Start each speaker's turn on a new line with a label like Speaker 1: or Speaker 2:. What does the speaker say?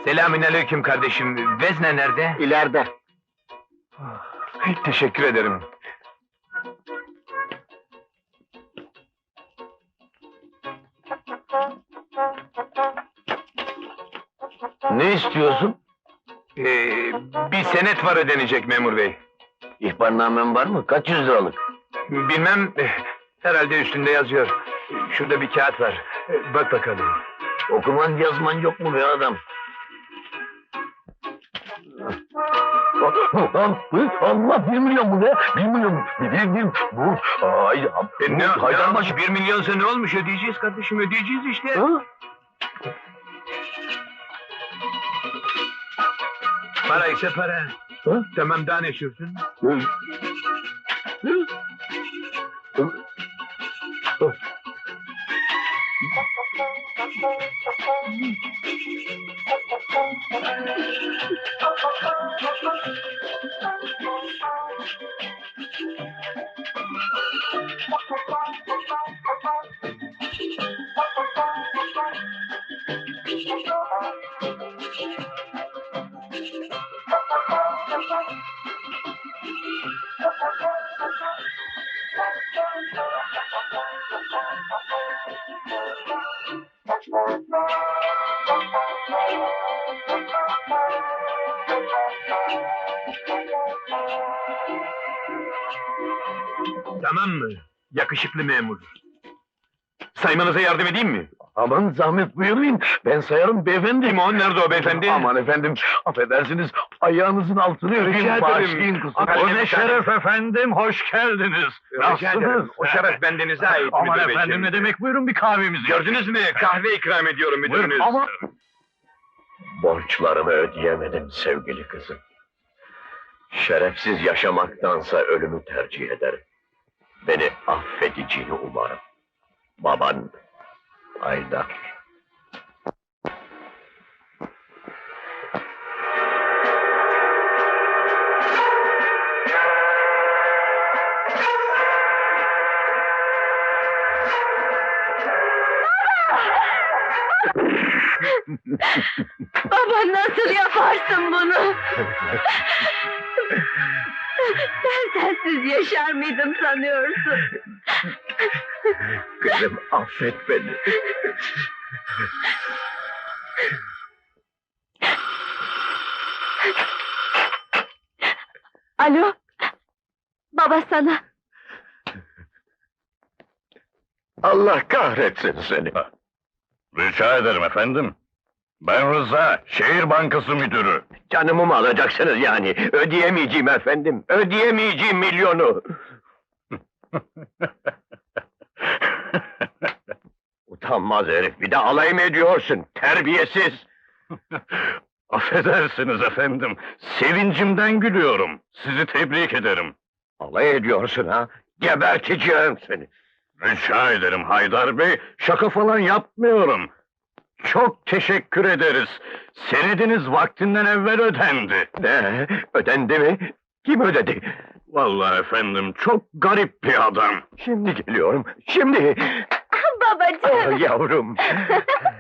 Speaker 1: Selamünaleyküm kardeşim. Vezne nerede?
Speaker 2: İleride.
Speaker 1: Teşekkür ederim.
Speaker 2: Ne istiyorsun?
Speaker 1: Bir senet var ödenecek memur bey.
Speaker 2: İhbarnamen var mı? Kaç yüz liralık?
Speaker 1: Bilmem, herhalde üstünde yazıyor. Şurada bir kağıt var. Bak bakalım.
Speaker 2: Okuman yazman yok mu be adam? Allah 1 milyon bu be! 1 milyon! Bu... Ay,
Speaker 1: Haydanbaşı 1 milyonsa ne olmuş? Ödeyeceğiz kardeşim, ödeyeceğiz işte.
Speaker 2: Ha?
Speaker 1: Para ise para.
Speaker 2: Ha?
Speaker 1: Tamam, daha ne sürsün? Tamam mı? Yakışıklı memur. Saymanıza yardım edeyim mi?
Speaker 2: Aman zahmet buyurun, ben sayarım beyefendi.
Speaker 1: Kim o? Nerede o beyefendi?
Speaker 2: Aman efendim, affedersiniz, ayağınızın altını
Speaker 1: Rica
Speaker 2: öpeyim,
Speaker 1: ederim.
Speaker 2: bağışlayın kusura.
Speaker 1: O ne şeref
Speaker 3: efendim, hoş geldiniz.
Speaker 1: Rica ederim. O şeref bendenize ait
Speaker 3: Aman
Speaker 1: müdür
Speaker 3: efendim,
Speaker 1: beyciğim.
Speaker 3: ne demek, buyurun bir kahvemizi.
Speaker 1: Gördünüz mü? Kahve ikram ediyorum müdürünüz.
Speaker 3: Buyurun ama...
Speaker 2: Borçlarımı ödeyemedim sevgili kızım. Şerefsiz yaşamaktansa ölümü tercih ederim. Beni affedeceğini umarım. Baban, Haydar.
Speaker 4: Baba, nasıl yaparsın bunu? Ben sensiz yaşar mıydım sanıyorsun?
Speaker 2: Kızım affet beni.
Speaker 4: Alo? Baba sana.
Speaker 2: Allah kahretsin seni.
Speaker 3: Rica ederim efendim. Ben Rıza, Şehir Bankası Müdürü.
Speaker 2: Canımı mı alacaksınız yani? Ödeyemeyeceğim efendim. Ödeyemeyeceğim milyonu. Utanmaz herif, bir de alay mı ediyorsun? Terbiyesiz!
Speaker 3: Affedersiniz efendim, sevincimden gülüyorum. Sizi tebrik ederim.
Speaker 2: Alay ediyorsun ha? Geberteceğim seni!
Speaker 3: Rica ederim Haydar Bey, şaka falan yapmıyorum. Çok teşekkür ederiz. Senediniz vaktinden evvel ödendi.
Speaker 2: Ne? Ödendi mi? Kim ödedi?
Speaker 3: Vallahi efendim, çok garip bir adam.
Speaker 2: Şimdi geliyorum, şimdi! Ah,
Speaker 4: Babacığım!
Speaker 2: yavrum!